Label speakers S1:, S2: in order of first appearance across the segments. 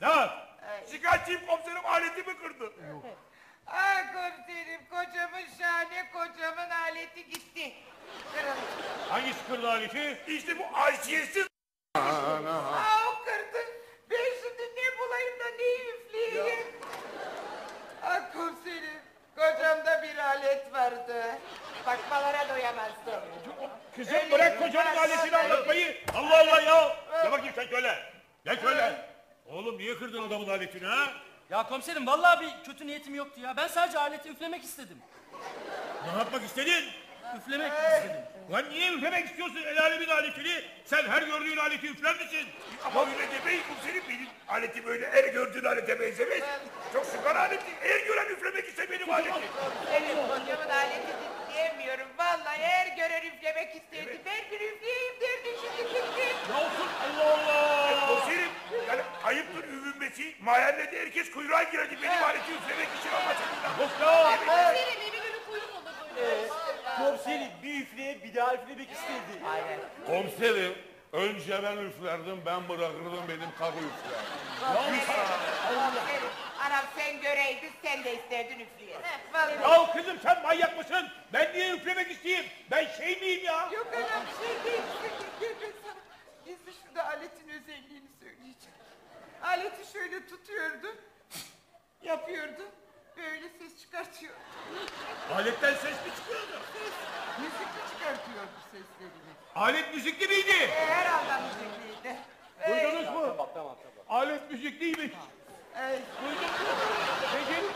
S1: Ya şikayetçiyim komiserim, aletimi kırdı.
S2: Ah komiserim, kocamın şahane kocamın aleti gitti. Kırıldı.
S1: Hangisi kırdı aleti? İşte bu haysiyetsiz.
S2: O kırdı. Ben şimdi ne bulayım da ne üfleyeyim? Ah komiserim, kocamda bir alet vardı. Bakmalara doyamazdım.
S1: Kızım bırak kocanın aletini anlatmayı. Allah Allah ya. Gel bakayım sen şöyle. Gel şöyle. Oğlum niye kırdın adamın aletini ha?
S3: Ya komiserim vallahi bir kötü niyetim yoktu ya. Ben sadece aleti üflemek istedim.
S1: Ne yapmak istedin?
S3: Üflemek istedim.
S1: Lan niye üflemek istiyorsun el alemin aletini? Sen her gördüğün aleti üfler misin? Ama öyle demeyin komiserim, benim aletim öyle her gördüğün alete benzemez. Çok sıkar aleti. Her gören üflemek ise benim aletim.
S2: Benim kocamın aletini diyemiyorum. Vallahi her gören üflemek isterdi. Ben bir üfleyeyim derdi şimdi gitti.
S1: Ne olsun Allah Allah. Komiserim yani ayıptır övünmesi. Mahallede herkes kuyruğa girerdi benim aleti üflemek için anlaşıldı. Yok ya.
S4: Komiserim evi günü kuyruk olur böyle.
S5: Komiserim bir üfleye bir daha üflemek istedi.
S2: Aynen.
S6: Komiserim, önce ben üflerdim, ben bırakırdım benim karı üfler.
S2: Komiserim, anam sen göreydin sen de isterdin üfleye. Vallahi.
S1: Ya kızım sen manyak mısın? Ben niye üflemek isteyeyim? Ben şey miyim ya?
S2: Yok anam şey değil. Gel ben sana gizli şurada aletin özelliğini söyleyeceğim. Aleti şöyle tutuyordu. Yapıyordu. Böyle ses çıkartıyordu.
S1: Aletten ses mi çıkıyordu?
S2: Müzikli çıkartıyordu seslerini.
S1: Alet müzikli miydi?
S2: Herhalde müzikliydi.
S1: Duydunuz mu?
S5: Tamam.
S1: Alet müzikliymiş.
S2: Ay.
S1: Peki.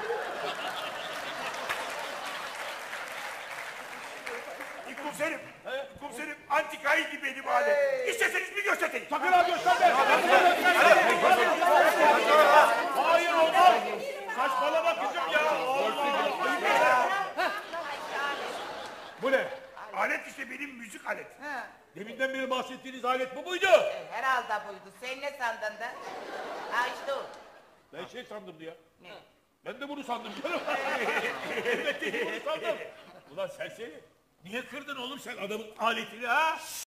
S1: Komiserim, komiserim antikaydı benim alet. İsteseniz bir göstereyim. Sakın ha gösterme. Hayır olmaz. Saçmalama kızım ya. Bu ne? Alet işte benim müzik aleti.
S2: Ha.
S1: Deminden beri bahsettiğiniz alet bu muydu?
S2: Herhalde buydu. Sen ne sandın da? Ha işte o.
S1: Ben şey sandım ya.
S2: Ne?
S1: Ben de bunu sandım canım. Elbette ki bunu sandım. Ulan serseri. Niye kırdın oğlum sen adamın aletini ha?